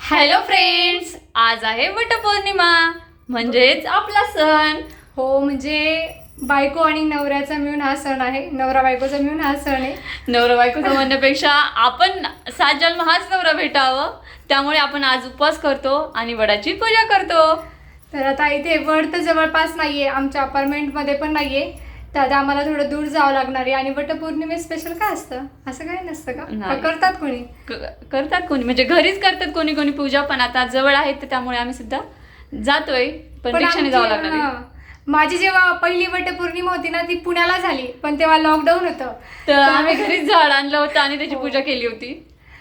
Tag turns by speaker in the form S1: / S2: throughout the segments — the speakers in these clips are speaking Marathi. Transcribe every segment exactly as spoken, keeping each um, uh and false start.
S1: हॅलो फ्रेंड्स, आज आहे वटपौर्णिमा म्हणजेच आपला सण.
S2: हो, म्हणजे बायको आणि नवऱ्याचा मिळून हा सण आहे. नवरा बायकोचा मिळून हा सण आहे.
S1: नवरा बायकोचा म्हणण्यापेक्षा आपण सात जन्म हाच नवरा भेटावं, त्यामुळे आपण आज उपवास करतो आणि वडाची पूजा करतो.
S2: तर आता इथे वड तर जवळपास नाहीये, आमच्या अपार्टमेंटमध्ये पण नाहीये, तर आता आम्हाला थोडं दूर जावं लागणार आहे. आणि वटपौर्णिमे स्पेशल काय असतं? असं काही नसतं का? का करतात कोणी?
S1: क- करतात कोणी, म्हणजे घरीच करतात कोणी कोणी पूजा, पण आता जवळ आहेत तर त्यामुळे आम्ही सुद्धा जातोय, पण रिक्षाने जावं लागणार आहे.
S2: हा, माझी जेव्हा पहिली वटपौर्णिमा होती ना, ती पुण्याला झाली, पण तेव्हा लॉकडाऊन होतं,
S1: तर आम्ही घरीच झाड आणलं होतं आणि त्याची पूजा केली होती.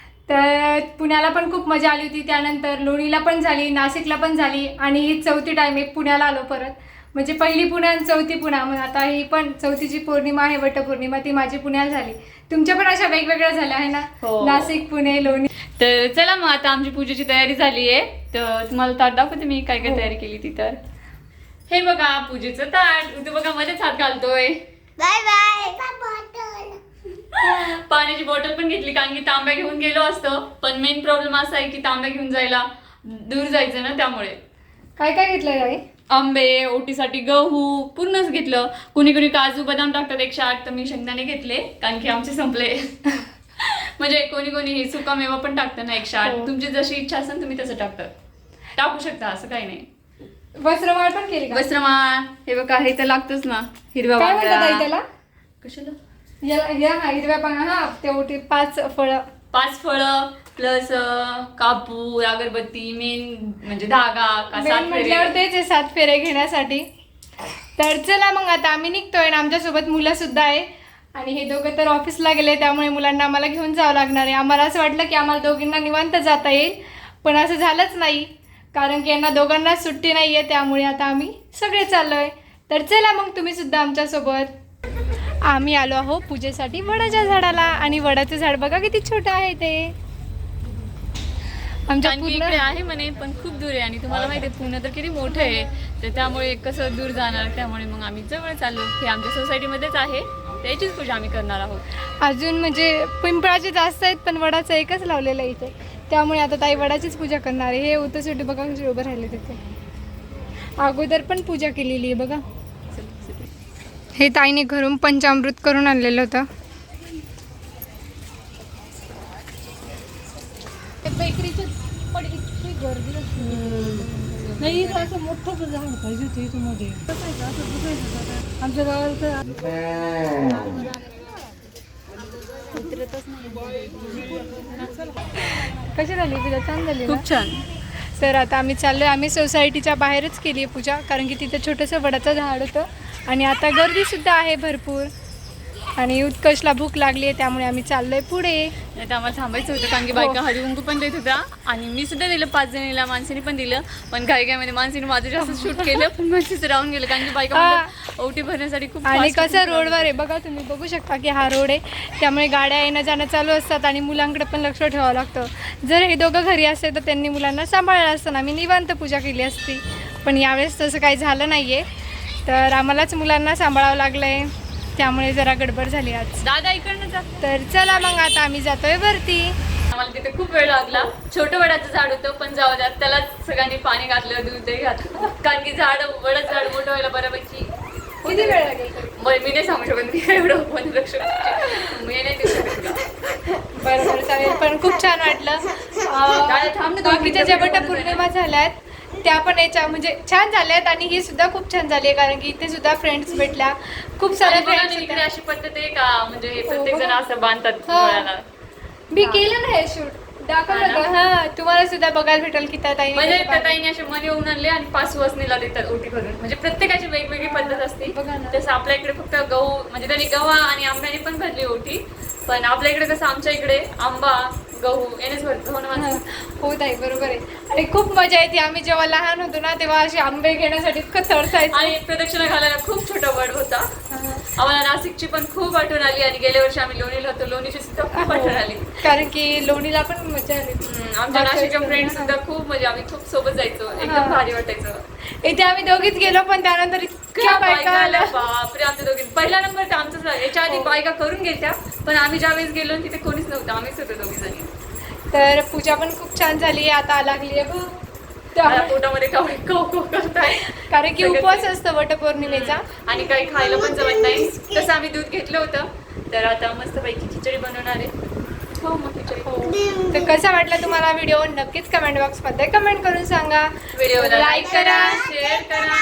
S2: तर पुण्याला पण खूप मजा आली होती. त्यानंतर लोणीला पण झाली, नाशिकला पण झाली, आणि ही चौथी टाइम आहे पुण्याला आलो परत. म्हणजे पहिली पुण्या आणि चौथी पुण्या. मग आता ही पण चौथीची पौर्णिमा आहे वटपौर्णिमा, ती माझी पुण्याला झाली. तुमच्या पण अशा वेगवेगळ्या झाल्या आहे ना?
S1: हो.
S2: नाशिक, पुणे, लोणी.
S1: तर चला मग आता आमची पूजेची तयारी झाली आहे, तर तुम्हाला ताट दाखवते मी काय काय
S2: हो.
S1: तयारी केली ती. तर हे बघा पूजेचं ताट, तू बघा मध्येच हात घालतोय.
S3: Bye bye bottle.
S1: पाण्याची बॉटल पण घेतली, कारण की तांब्या घेऊन गेलो असतो, पण मेन प्रॉब्लेम असा आहे की तांब्या घेऊन जायला दूर जायचं ना, त्यामुळे
S2: काय काय घेतलंय आई?
S1: आंबे, ओटीसाठी गहू पूर्णच घेतलं. कुणी कुणी काजू बदाम टाकतात एकशे आठ, तर मी शेंगदाणे घेतले कारण की आमचे संपले. म्हणजे कोणी कोणी हे सुका मेवा पण टाकतं ना एकशे आठ.
S2: हो.
S1: तुमची जशी इच्छा असेल तुम्ही तसं टाकतात, टाकू शकता, असं काही नाही.
S2: वस्त्रमाळ पण केली का?
S1: वस्त्रमाळ हे बघा, हे तर लागतच ना, हिरव्या
S2: काय म्हणतात आई
S1: वांग्या.
S2: त्याला?
S1: कशाला?
S2: या या हा हिरव्या पाना, हा तेवढी पाच फळं.
S1: पाच फळं प्लस कापूर, अगरबत्ती, मेन म्हणजे धागा का
S2: मेन
S1: सात
S2: म्हटल्यावर
S1: फेरे.
S2: तेच आहे, सात फेरे घेण्यासाठी. तर चला मग आता आम्ही निघतोय, आणि आमच्यासोबत मुलं सुद्धा आहे. आणि हे दोघं तर ऑफिसला गेले, त्यामुळे मुलांना आम्हाला घेऊन जावं लागणार आहे. आम्हाला असं वाटलं की आम्हाला दोघींना निवांत जाता येईल, पण असं झालंच नाही, कारण की यांना दोघांना सुट्टी नाही आहे. त्यामुळे आता आम्ही सगळे चाललोय. तर चला मग तुम्ही सुद्धा आमच्यासोबत. आम्ही आलो आहो पूजेसाठी वडाच्या झाडाला, आणि वडाचं झाड बघा किती छोटं आहे ते. आमच्या
S1: कारण की
S2: पूर्ण
S1: इकडे आहे म्हणे, पण खूप दूर आहे, आणि तुम्हाला माहिती आहे पुणे तर किती मोठं आहे, तर त्यामुळे कसं दूर जाणार, त्यामुळे मग आम्ही जवळ चाललो. हे आमच्या सोसायटीमध्येच आहे, त्याचीच पूजा आम्ही करणार आहोत.
S2: अजून म्हणजे पिंपळाचे जास्त आहेत, पण वडाचं एकच लावलेलं आहे इथे, त्यामुळे आता ताई वडाचीच पूजा करणार आहे. हे होतं शेवटी बघा कसे उभं राहिले तिथे. अगोदर पण पूजा केलेली आहे बघा. हे ताईने घरून पंचामृत करून आणलेलं होतं.
S4: नाही इथं असं मोठं झाड पाहिजे होतं इथं मध्ये. आमच्या गावात
S2: कशी झाली पूजा? छान झाली ना?
S1: खूप छान.
S2: तर आता आम्ही चाललोय. आम्ही सोसायटीच्या बाहेरच केली आहे पूजा, कारण की तिथं छोटंसं वडाचं झाड होतं, आणि आता गर्दी सुद्धा आहे भरपूर, आणि उत्कर्षला भूक लागली आहे, त्यामुळे आम्ही चाललोय पुढे.
S1: नाही तर आम्हाला थांबायचं होतं, कारण की बायका हळदी कुंकू पण देत होत्या, आणि मी सुद्धा दिलं पाच जणीला, मानसीने पण दिलं, पण काही काय मध्ये मानसीने माझं जास्त शूट केलं, पण मानसीचं राहून गेलं, कारण की बायका म्हणतात ओटी भरण्यासाठी खूप
S2: आणि
S1: fast
S2: कसं
S1: खूप
S2: रोडवर आहे बघा, तुम्ही बघू शकता की हा रोड आहे, त्यामुळे गाड्या येणं जाणं चालू असतात, आणि मुलांकडे पण लक्ष ठेवावं लागतं. जर हे दोघं घरी असते तर त्यांनी मुलांना सांभाळलं असतं, आम्ही निवांत पूजा केली असती, पण यावेळेस तसं काही झालं नाही आहे, तर आम्हालाच मुलांना सांभाळावं लागलं आहे, त्यामुळे जरा गडबड झाली आज.
S1: दादा इकडनं जा.
S2: तर चला मग आता आम्ही जातोय वरती.
S1: आम्हाला तिथे खूप वेळ लागला. छोटं वडाचं झाड होतं, पण जाऊ द्या, त्याला सगळ्यांनी पाणी घातलं, दूधही घातलं, कारण की झाड वडाचं झाड मोठं व्हायला बऱ्यापैकी
S2: किती वेळ लागेल?
S1: बरं, मी नाही सांगू शकत मी एवढं पण लक्ष मी नाही देऊ शकत तुला.
S2: बरं बरं चालेल, पण खूप छान वाटलं.
S1: दादा थांब ना, दोन
S2: बाकीच्या ज्या वटपौर्णिमा झाल्यात त्या पण याच्या म्हणजे छान झाल्यात, आणि ही सुद्धा खूप छान झाली आहे, कारण की इथे सुद्धा फ्रेंड्स भेटल्या, खूप सारे
S1: आणि बघा ना,
S2: फ्रेंड्स.
S1: इकडे अशी पद्धत आहे का, म्हणजे हे प्रत्येक
S2: बघा.
S1: जण असं बांधतात
S2: हा.
S1: डोळ्याला.
S2: मी केलं ना हे शूट, दाखवलं का? हा, तुम्हाला सुद्धा बघायला भेटेल की त्या ताईने
S1: म्हणजे
S2: कसं
S1: त्या ताईने असे मनी होऊन आणले आणि पाच वसनीला देतात ओटी भरून. म्हणजे प्रत्येकाची वेगवेगळी पद्धत असते.
S2: बघा ना.
S1: तसं आपल्या इकडे फक्त गहू, म्हणजे त्यांनी गव्हा आणि आंब्याने पण भरली ओटी, पण आपल्या इकडे कसं आमच्या इकडे आंबा गहू यानेच भरतो. हो ना
S2: हा,
S1: माझं?
S2: हो ताई बरोबर आहे. आणि खूप मजा येते. आम्ही जेव्हा लहान होतो ना, तेव्हा असे आंबे घेण्यासाठी इतकं तरसायचं.
S1: आणि प्रदक्षिणा घालायला खूप छोटा वड होता.
S2: हा.
S1: आम्हाला नाशिकची पण खूप आठवण आली, आणि गेल्या वर्षी आम्ही लोणीला होतो, लोणीची सुद्धा खूप आठवण आली.
S2: कारण की लोणीला पण मजा आली.
S1: हम्म, आमच्या नाशिकच्या फ्रेंड सुद्धा खूप, म्हणजे आम्ही खूप सोबत जायचो, एकदम भारी वाटायचं.
S2: इथे आम्ही दोघीच गेलो, पण त्यानंतर इतक्या बायका आल्या.
S1: बापरे, आमच्या दोघी पहिला नंबर तर आमचा. याच्या आधी बायका करून गेल्या, पण आम्ही ज्या वेळेस गेलो तिथे कोणीच नव्हतं, आम्हीच होतो दोघी जणी.
S2: तर पूजा पण खूप छान झाली आहे, आता लागली आहे भूक.
S1: मला
S2: त्यामुळे-
S1: पोटामध्ये कावळे कव कव करताय
S2: कारण की उपवास असतो वटपौर्णिमेचा.
S1: आणि काही खायला पण जमत नाही. तसं आम्ही दूध घेतलं होतं, तर आता मस्तपैकी खिचडी बनवणार आहे. हो मग खिचडी हो.
S2: तर कसा वाटला तुम्हाला व्हिडिओ नक्कीच कमेंट बॉक्समध्ये कमेंट करून सांगा.
S1: व्हिडिओला
S2: लाईक करा,
S1: शेअर करा